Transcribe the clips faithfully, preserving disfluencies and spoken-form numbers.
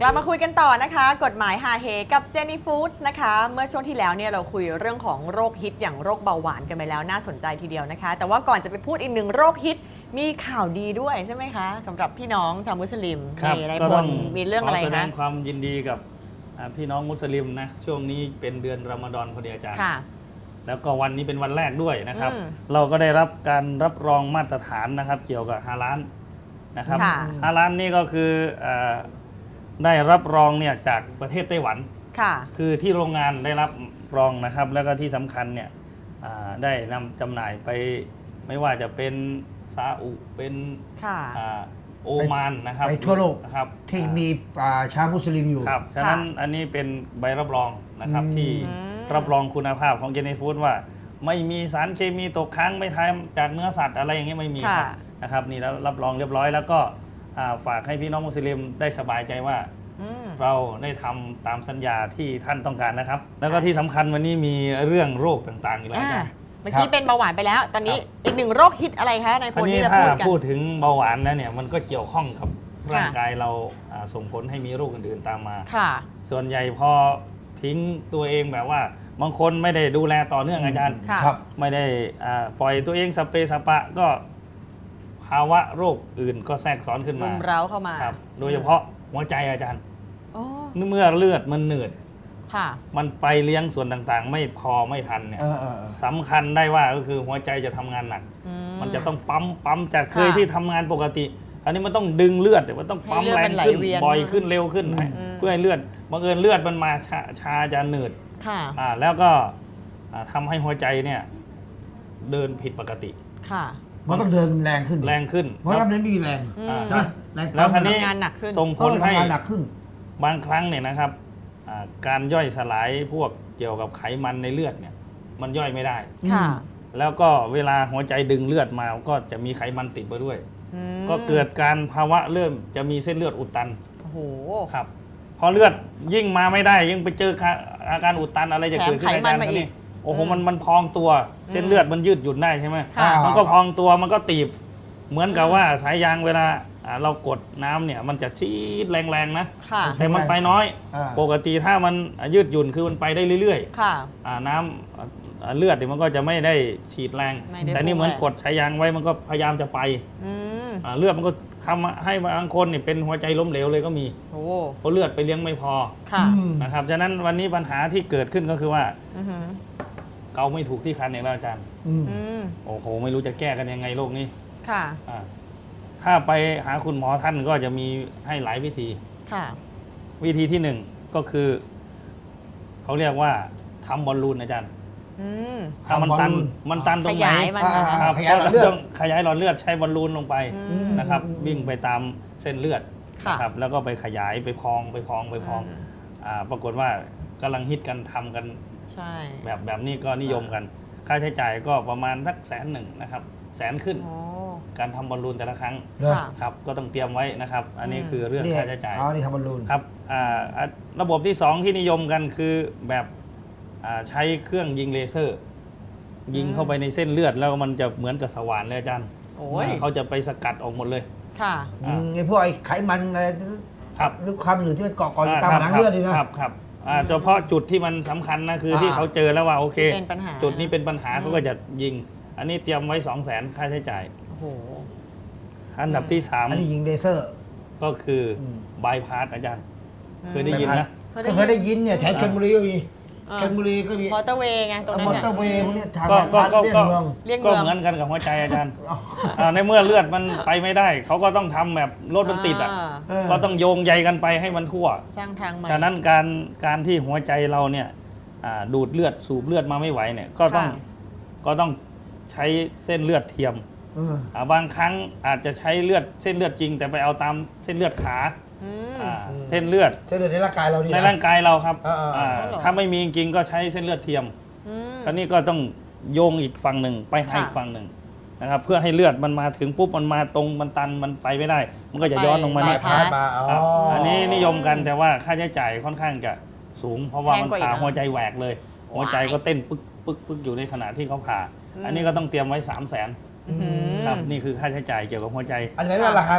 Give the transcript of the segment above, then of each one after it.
กลับมาคุยกันต่อนะคะกฎหมายฮาเฮกับเจนี่ฟู้ดส์นะคะเมื่อช่วงที่แล้วเนี่ยเราคุยเรื่องของโรคฮิตอย่างโรคเบาหวานกันไปแล้วน่าสนใจทีเดียวนะคะแต่ว่าก่อนจะไปพูดอีกหนึ่งโรคฮิตมีข่าวดีด้วยใช่ไหมคะสำหรับพี่น้องชาวมุสลิมในในพลมีเรื่องอะไรนะขอแสดงความยินดีกับพี่น้องมุสลิมนะช่วงนี้เป็นเดือนรอมฎอนพอดีอาจารย์แล้วก็วันนี้เป็นวันแรกด้วยนะครับเราก็ได้รับการรับรองมาตรฐานนะครับเกี่ยวกับฮาลาลนะครับฮาลาลนี่ก็คือได้รับรองเนี่ยจากประเทศไต้หวันคือที่โรงงานได้รับรองนะครับแล้วก็ที่สำคัญเนี่ยได้นำจำหน่ายไปไม่ว่าจะเป็นซาอุเป็นโอมานนะครับไปทั่วโลกครับที่มีชาวมุสลิมอยู่ครับฉะนั้นอันนี้เป็นใบรับรองนะครับที่รับรองคุณภาพของเจนี่ฟู้ดว่าไม่มีสารเคมีตกค้างไม่ทำจากเนื้อสัตว์อะไรอย่างเงี้ยไม่มีนะครับนี่แล้วรับรองเรียบร้อยแล้วก็ฝากให้พี่น้องมุสลิมได้สบายใจว่าเราได้ทำตามสัญญาที่ท่านต้องการนะครับแล้วก็ที่สำคัญวันนี้มีเรื่องโรคต่างๆอีกแล้วจ้ะเมื่อกี้เป็นเบาหวานไปแล้วตอนนี้อีกหนึ่งโรคฮิตอะไรคะในพลที่จะพูดกันพูดถึงเบาหวานแล้วเนี่ยมันก็เกี่ยวข้องกับร่างกายเราส่งผลให้มีโรคอื่นๆตามมาส่วนใหญ่พอทิ้งตัวเองแบบว่าบางคนไม่ได้ดูแลต่อเนื่องอาจารย์ไม่ได้ปล่อยตัวเองสเปสปะก็ภาวะโรคอื่นก็แทรกซ้อนขึ้นมารุมเร้าเข้ามาโดยเฉพาะหัวใจอาจารย์เมื่อเลือดมันเหนื่อยมันไปเลี้ยงส่วนต่างๆไม่พอไม่ทันเนี่ยสำคัญได้ว่าก็คือหัวใจจะทำงานหนักมันจะต้องปั๊มปั๊มจากเคยที่ทำงานปกติอันนี้มันต้องดึงเลือดมันต้องปั๊มแรงขึ้นบ่อยขึ้นเร็วขึ้นเพื่อให้เลือดบังเอิญเลือดมันมาชาชาจะหนืดแล้วก็ทำให้หัวใจเนี่ยเดินผิดปกติมันต้องเดินแรงขึ้นแรงขึ้นเพราะว่ามันไม่มีแรงแล้วทีนี้ส่งผลให้หนักขึ้นบางครั้งเนี่ยนะครับการย่อยสลายพวกเกี่ยวกับไขมันในเลือดเนี่ยมันย่อยไม่ได้แล้วก็เวลาหัวใจดึงเลือดมาก็จะมีไขมันติดไปด้วยก็เกิดการภาวะเริ่มจะมีเส้นเลือดอุดตันโอ้โหครับพอเลือดยิ่งมาไม่ได้ยิ่งไปเจออาการอุดตันอะไรจะเกิดขึ้นในการนี้โอ้โหมันมันพองตัวเส้นเลือดมันยืดหยุ่นได้ใช่ไหมมันก็พองตัวมันก็ตีบเหมือนกับว่าสายยางเวลาเรากดน้ำเนี่ยมันจะชีดแรงๆนะแต่มันไปน้อยปกติถ้ามันยืดหยุ่นคือมันไปได้เรื่อยๆน้ำเลือดมันก็จะไม่ได้ฉีดแรงแต่นี่เหมือนกดสายยางไว้มันก็พยายามจะไปเลือดมันก็ทำให้บางคนเนี่ยเป็นหัวใจล้มเหลวเลยก็มีเพราะเลือดไปเลี้ยงไม่พอนะครับฉะนั้นวันนี้ปัญหาที่เกิดขึ้นก็คือว่าเกาไม่ถูกที่คันอย่างแล้วอาจารย์โอ้โหไม่รู้จะแก้กันยังไงโรคนี้ค่ะถ้าไปหาคุณหมอท่านก็จะมีให้หลายวิธีวิธีที่หนึ่งก็คือเขาเรียกว่าทำบอลลูนอาจารย์ถ้ามันตันมันตันตรงไหนครับก็ต้องขยายหลอดเลือดใช้บอลลูนลงไปนะครับวิ่งไปตามเส้นเลือดนะครับแล้วก็ไปขยายไปพองไปพองไปพองปรากฏว่ากำลังฮิตกันทำกันแบบแบบนี้ก็นิยมกันค่าใช้จ่ายก็ประมาณสักแสนหนึ่งนะครับแสนขึ้นการทำบอลลูนแต่ละครั้งครับก็ต้องเตรียมไว้นะครับอันนี้คือเรื่องค่าใช้จ่ายอ๋อนี่ทำบอลลูนครับระบบที่สองที่นิยมกันคือแบบใช้เครื่องยิงเลเซอร์ยิงเข้าไปในเส้นเลือดแล้วมันจะเหมือนกับสว่านเลยอาจารย์เขาจะไปสกัดออกหมดเลยค่ะยิงไอ้พวกไอ้ไขมันอะไรหรือความหนืดที่มันเกาะเกาะอยู่ตามหนังเลือดเลยนะครับครับเฉพาะจุดที่มันสำคัญนะคือที่เขาเจอแล้วว่าโอเคจุดนี้เป็นปัญหาเขาก็จะยิงอันนี้เตรียมไว้สองแสนค่าใช้จ่ายอันดับที่สามอันนี้ยิงเลเซอร์ก็คือบายพาสอาจารย์เคยได้ยินนะเคยได้ยินเนี่ยแถวชลบุรีก็มีชลบุรีก็มีมอเตอร์เวย์ไงตรงนั้นมอเตอร์เวย์พวกนี้ทางก็ก็เลี่ยงเมืองก็เหมือนกันกับหัวใจอาจารย์ในเมื่อเลือดมันไปไม่ได้เขาก็ต้องทำแบบรถมันติดอ่ะก็ต้องโยงใยกันไปให้มันทั่วสร้างทางใหม่ฉะนั้นการการที่หัวใจเราเนี่ยดูดเลือดสูบเลือดมาไม่ไหวเนี่ยก็ต้องก็ต้องใช้เส้นเลือดเทียมบางครั้งอาจจะใช้เลือดเส้นเลือดจริงแต่ไปเอาตามเส้นเลือดขาเส้นเลือดเส้นเลือดในร่างกายเราในร่างกายเราครับถ้าไม่มีจริงก็ใช้เส้นเลือดเทียมคราวนี้ก็ต้องโยงอีกฝั่งหนึ่งไปให้อีกฝั่งหนึ่งนะครับเพื่อให้เลือดมันมาถึงปุ๊บมันมาตรงมันตันมันไปไม่ได้มันก็จะย้อนลงมาเนี่ยอันนี้นิยมกันแต่ว่าค่าใช้จ่ายค่อนข้างจะสูงเพราะว่ามันผ่าหัวใจแหวกเลยหัวใจก็เต้นปึ๊กปึ๊กปึ๊กอยู่ในขณะที่เขาผ่าอันนี้ก็ต้องเตรียมไว้สามแสนครับนี่คือค่าใช้จ่ายเกี่ยวกับหัวใจอันนี้ว่าราคาแบบ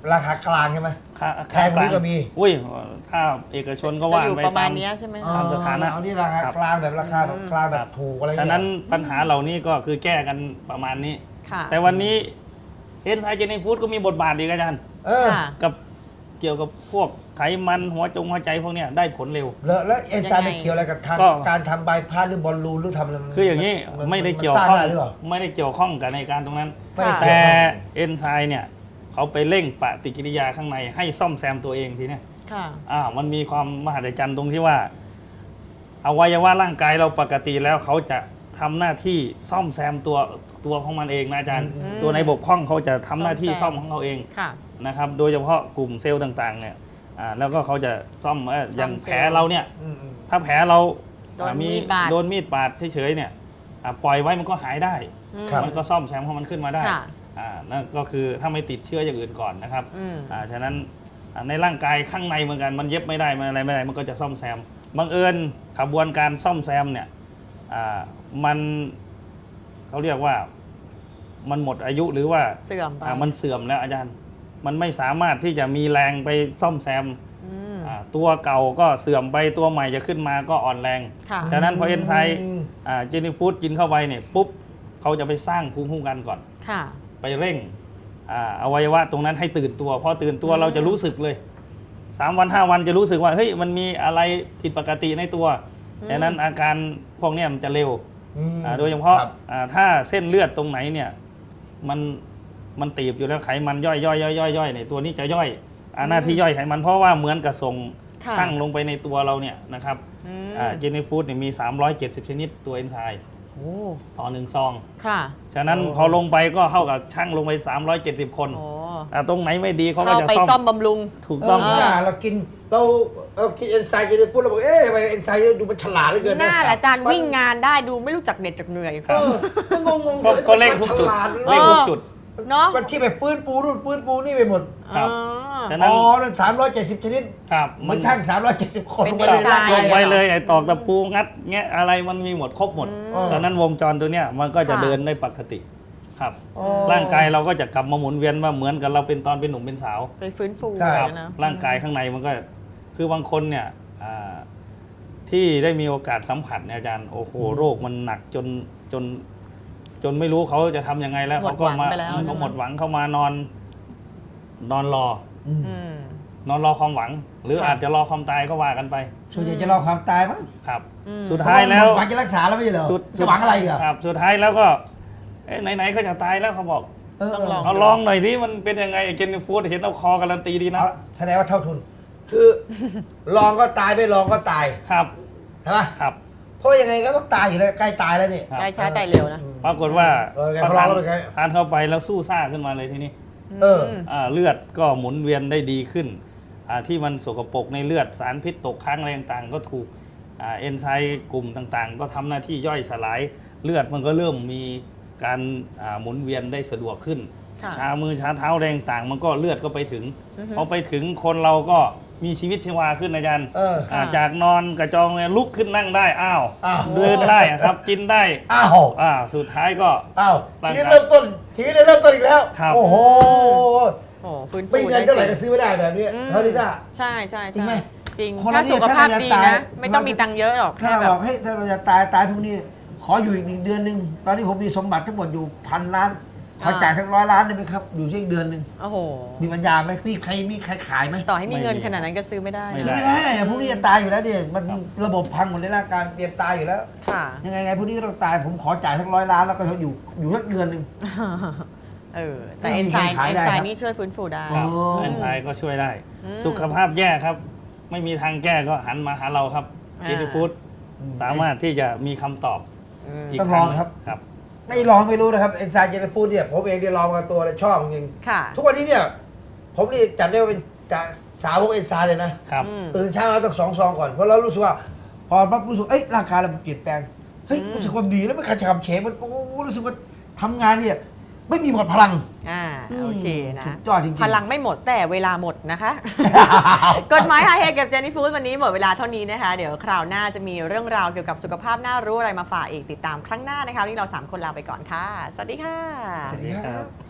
ราคากลางใช่ไหมค่าแพงกว่านี้ก็มีอุ้ยถ้าเอกชนก็จะว่าอยู่ไปประมาณตามเนี้ยใช่ไหมเอคะตามสถานะเอานี่ราคากลางแบบราคาแบบกลางแบบถูกอะไรอย่างฉะเงี้ยนั้นปัญหาเหล่านี้ก็คือแก้กันประมาณนี้ค่ะแต่วันนี้เอนไซม์เจนีฟู้ดก็มีบทบาทอีกอาจารย์เออค่ะกับเกี่ยวกับพวกไขมันหัวจงหัวใจพวกเนี้ยได้ผลเร็วแล้วแล้วเอนไซม์ยังไงไม่เกี่ยวอะไรกับทางก็การทำใบพัดหรือบอลลูนหรือทำอะไรมันคืออย่างนี้นไม่ได้นเกี่ยวสร้างข้องได้หรือเปล่าไม่ได้เกี่ยวข้องกับในการตรงนั้นไม่ได้ค่ะเกี่แต่ยวข้องเอนไซม์เนี่ยเขาไปเร่งปฏิกิริยาข้างในให้ซ่อมแซมตัวเองทีเนี้ยค่ะอ่ามันมีความมหัศจรรย์ตรงที่ว่าอวัยวะร่างกายเราปกติแล้วเขาจะทำหน้าที่ซ่อมแซมตัวตัวของมันเองนะอาจารย์อืมตัวในบกพร่องเขาจะทำหน้าที่ซ่ซ่ออมมแซมของเขาเองค่ะนะครับ โดยเฉพาะกลุ่มเซลล์ต่างๆเนี่ยอ่าแล้วก็เขาจะซ่อมเอ่ออย่างซ่อมเซลล์แผลเราเนี่ยอืมอืมถ้าแผลเราโดนอ่ามีดบาดโดนมีดบาดเฉยๆเนี่ยอ่าปล่อยไว้มันก็หายได้อืมมันก็ซ่อมแซมของมันขึ้นมาได้ค่ะอ่านั่นก็คือถ้าไม่ติดเชื้ออย่างอื่นก่อนนะครับอืมอ่าฉะนั้นอ่าในร่างกายข้างในเหมือนกันมันเย็บไม่ได้มันอะไรไม่ได้มันก็จะซ่อมแซมบังเอิญขบวนการซ่อมแซมเนี่ยอ่ามันเขาเรียกว่ามันหมดอายุหรือว่าเสื่อมไปอ่ามันเสื่อมแล้วอาจารย์ มันไม่สามารถที่จะมีแรงไปซ่อมแซมอืมอ่าตัวเก่าก็เสื่อมไปตัวใหม่จะขึ้นมาก็อ่อนแรงค่ะฉะนั้นพอเอนไซม์อืมเจนี่ฟู้ดกินเข้าไปเนี่ยปุ๊บเขาจะไปสร้างภูมิคุ้มกันก่อนค่ะไปเร่งอ่าอวัยวะตรงนั้นให้ตื่นตัวพอตื่นตัวอืมเราจะรู้สึกเลยสามวันห้าวันจะรู้สึกว่าเฮ้ยมันมีอะไรผิดปกติในตัวดังนั้นอาการพวกเนี้ยมันจะเร็วอืมอ่าโดยเฉพาะครับอ่าถ้าเส้นเลือดตรงไหนเนี่ยมันมันตีบอยู่แล้วไขมันย่อยย่อยย่อยย่อยย่อยเนี่ยตัวนี้จะย่อยอ่าหน้าที่ย่อยไขมันเพราะว่าเหมือนกับส่งค่ะช่างลงไปในตัวเราเนี่ยนะครับอืมเจนี่ฟู้ดเนี่ยมี สามร้อยเจ็ดสิบ ชนิดตัวเอนไซม์โอ้ต่อหนึ่งซองค่ะฉะนั้นโอ้พอลงไปก็เท่ากับช่างลงไป สามร้อยเจ็ดสิบ คนโอ้อ่าตรงไหนไม่ดีเขาก็เข้าจะไปซ่ซ่ออมมบำรุงถูกเอต้อองไม่ได้เรากินเราเรากินเอนไซม์จะได้พูดเราบอกเอ๊ะทำไมเอนไซม์ดูมันฉลาดเหลือเกินหน้านะแหละอาจารย์วิ่งงานได้ดูไม่รู้จักเหน็ดจากเหนื่อยเออมันงงงๆก็ก็เร่งทุกฉจุดลาดเร่งทุกจุดเนาะวันที่ไปฟื้นปูนู่นฟื้นปูนี่ไปหมดครับอ๋อฉะนั้นอ๋อนั่นสามร้อยเจ็ดสิบชนิดครับเหมันช่างสามร้อยเจ็ดสิบคนเป็นลงไปในเอนไซม์ร่างกายลงไปเลยไอ้ตอกตะปูงัดแงะอะไรมันมีหมดครบหมดอืมฉะนั้นวงจรตัวเนี้ยมันก็จะค่ะเดินได้ปกติครับอ๋อร่างกายเราก็จะกลับมาหมุนเวียนว่าเหมือนกับเราเป็นตอนเป็นหนุ่มเป็นสาวไปฟื้นฟูใช่อะไรครับนะร่างกายข้างในมันก็คือบางคนเนี่ยอ่าที่ได้มีโอกาสสัมผัสเนี่ยอาจารย์โอ้โหโรคมันหนักจนจน จนไม่รู้เขาจะทำยังไงแล้วหมดเขาก็มาหวังไปแล้วเขาใช่ไหมหมดหวังเข้ามานอน นอนรออืมอืมนอนรอความหวัง หรือค่ะอาจจะรอความตายก็ว่ากันไปส่วนใหญ่จะรอความตายมั้งครับอืมสุดท้ายแล้วหวังจะรักษาแล้วไม่ใช่เหรอสุดจะหวังอะไรอีกอ่ะครับ สุดท้ายแล้วก็เอ๊ะไหนๆก็จะตายแล้วเขาบอกเออต้องลองเอาลองหน่อยที่มันเป็นยังไงเจนนี่ฟูดเห็นเอาคอการันตีดีนะเอาแสดงว่าเท่าทุน คือ ลองก็ตายไม่ลองก็ตายครับใช่ไหมครับเพราะยังไงก็ต้องตายอยู่แล้วใกล้ตายแล้วนี่ครับได้ช้าแต่เร็วนะปรากฏว่าเออไงพอพอลอทาง นแล้วเป็นไงทานเข้าไปแล้วสู้ซ่าขึ้นมาเลยทีนี้เออมอ่าเลือดก็หมุนเวียนได้ดีขึ้นอ่าที่มันสกปรกในเลือดสารพิษตกค้างอะไรต่างๆก็ถูกอ่าเอนไซม์กลุ่มต่างๆ ก็ทำหน้าที่ย่อยสลายเลือดมันก็เริ่มมีการอ่าหมุนเวียนได้สะดวกขึ้นค่ะชามือชาเท้าแรงต่างๆมันก็เลือดก็ไปถึงอือฮึพอไปถึงคนเราก็มีชีวิตชีวาขึ้นอาจารย์เอออ่าค่ะจากนอนกระจองเนี่ยลุกขึ้นนั่งได้อ้าวอ้าวเดินได้อะครับกินได้อ้าวอ่าสุดท้ายก็อ้าวร่างชีกายวิตเริ่มต้นชีวิตเริ่มต้นอีกแล้วครับโอ้โหโอ้ฟื้นฟูไม่เงินเท่าไหร่ก็ซื้อไม่ได้แบบนี้อืมเท่านี้จ้าใช่ใช่จริงไหมจริงคนถ้าเราเนี่ยสุขภาพถ้าเราจะดีตายนะ ไม่ต้องมีตังค์เยอะหรอกถ้าแค่เราแบบบอกให้ยถ้าเราจะตายตายทุกนี้ขออยู่อีกหนึ่งเดือนหนึ่งตอนนี้ผมมีสมบัติทั้งหมดอยู่พันล้านขอจ่ายทั้งร้อยล้านได้ไหมครับ อยู่ที่อีกเดือนหนึ่งโอ้โหมีปัญญาไหมมีใครมีใครขายไหมต่อให้มีเงินไม่มีขนาดนั้นก็ซื้อไม่ได้ไม่นะได้ไม่ได้อะพวกนี้จะตายอยู่แล้วเนี่ยมันระบบพังหมดในร่างกายเตรียมตายอยู่แล้วค่ะยังไงไงพวกนี้ก็ต้องตายผมขอจ่ายทั้งร้อยล้านแล้วก็อยู่อยู่สักเดือนหนึ่งเออ แต่ไม่เอนมีไซใครม์ขายเอนได้ไซครับม์นี่ช่วยฟื้นฟูได้ครับโอ้เอนไซม์ก็ช่วยได้อืมสุขภาพแย่ครับ ไม่มีทางแก้ก็หันมาหาเราครับอ่าเจนี่ฟู้ดสามารถที่จะมีคำตอบอืมอีกต้องคลรั้องครับครับไม่ลองไม่รู้นะครับเอนไซม์เจนฟูดเนี่ยผมเองได้ลองมาตัวเลยชอบจริงค่ะทุกวันนี้เนี่ย ผมนี่จัดได้ว่าเป็นจะสาวกเอนไซม์เลยนะครับอืมตื่นเช้ามาต้องสองซองก่อนเพราะเรารู้สึกว่า พอปั๊บรู้สึกเอ้ยร่างกายเราเปลี่ยนแปลงเฮ้ยอืมรู้สึกว่าดีแล้วไม่ขัดขับเฉงมันโอ้โหรู้สึกว่าทำงานเนี่ยไม่มีหมดพลังอ่าอืมโอเคนะสุดยอดจริงๆพลังไม่หมดแต่เวลาหมดนะคะ กฎหมายฮาเฮกับเจนนี่ฟู้ดวันนี้หมดเวลาเท่านี้นะคะ เดี๋ยวคราวหน้าจะมีเรื่องราวเกี่ยวกับสุขภาพน่ารู้อะไรมาฝากอีกติดตามครั้งหน้านะคะวันนี้เราสามคนลาไปก่อนค่ะ สวัสดีค่ะสวัสดีครับ